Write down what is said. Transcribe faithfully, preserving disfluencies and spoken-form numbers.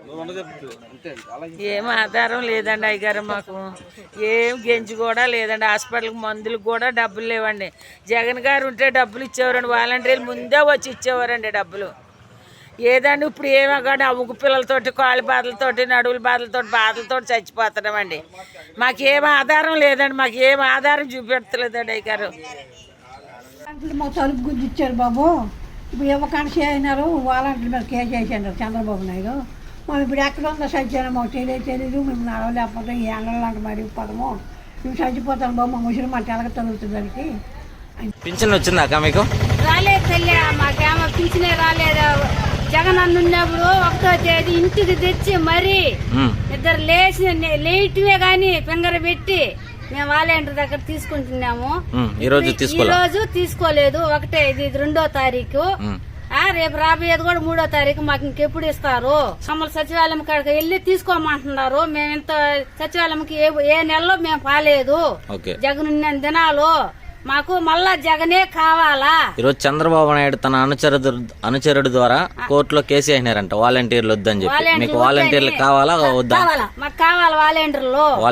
ఏం ఆధారం లేదండి అయ్యగారు, మాకు ఏం గెంజి కూడా లేదండి. హాస్పిటల్కి మందులకు కూడా డబ్బులు లేవండి. జగన్ గారు ఉంటే డబ్బులు ఇచ్చేవారండి, వాలంటీర్లు ముందే వచ్చి ఇచ్చేవారండి డబ్బులు. ఏదండి ఇప్పుడు ఏమో కానీ ఆ ఉగ్గు పిల్లలతోటి, కాళ్ళ బాధలతోటి, నడువుల బాధలతోటి బాధలతోటి చచ్చిపోతున్నామండి. మాకేం ఆధారం లేదండి, మాకు ఏం ఆధారం చూపెడతలేదండి అయ్యగారు. మా తలుపు గురించి ఇచ్చారు బాబు, ఇప్పుడు ఇవ్వకుండా అయినారు, వాలంటీర్ మీద కేసు వేసారు చంద్రబాబు నాయుడు. మనం ఇప్పుడు ఎక్కడ ఉందో సత్యాన్ని మాకు తెలియదు తెలీదు మేము నడవలేకపోతే ఈ ఎండలాంటి మరి పదము మేము చచ్చిపోతాం బాబు, మా ముసలి మాట ఎలాగ తగులుతుంది దానికి. పింఛన్ వచ్చిందాక మీకు? రాలేదు తల్లి, మాకేమో పింఛనే రాలేదు. జగన్ అన్న ఉన్నప్పుడు ఒకటో తేదీ ఇంటికి తెచ్చి మరి ఇద్దరు లేచి లేయటమే గాని ఫింగర్ పెట్టి మేము వాలంటీర్ దగ్గర తీసుకుంటున్నాము. ఈ రోజు ఈ రోజు తీసుకోలేదు. ఒకటే ఇది రెండో తారీఖు, రేపు రాబోయేది కూడా మూడో తారీఖు. మాకు ఇంకెప్పుడు ఇస్తారు? మమ్మల్ని సచివాలయం కాడికి వెళ్ళి తీసుకోమంటున్నారు. మేము ఇంత సచివాలయంకి ఏ ఏ నెలలో మేము పాలేదు. జగన్ ఉన్న దినాలు మాకు మళ్ళా జగనే కావాలా. ఈరోజు చంద్రబాబు నాయుడు తన అనుచరుడు అనుచరుడు ద్వారా కోర్టులో కేసు అయినారంట వాలంటీర్లు వద్దని చెప్పి. మీకు వాలంటీర్లు కావాలా వద్దా? మాకు కావాలా వాలంటీర్లు.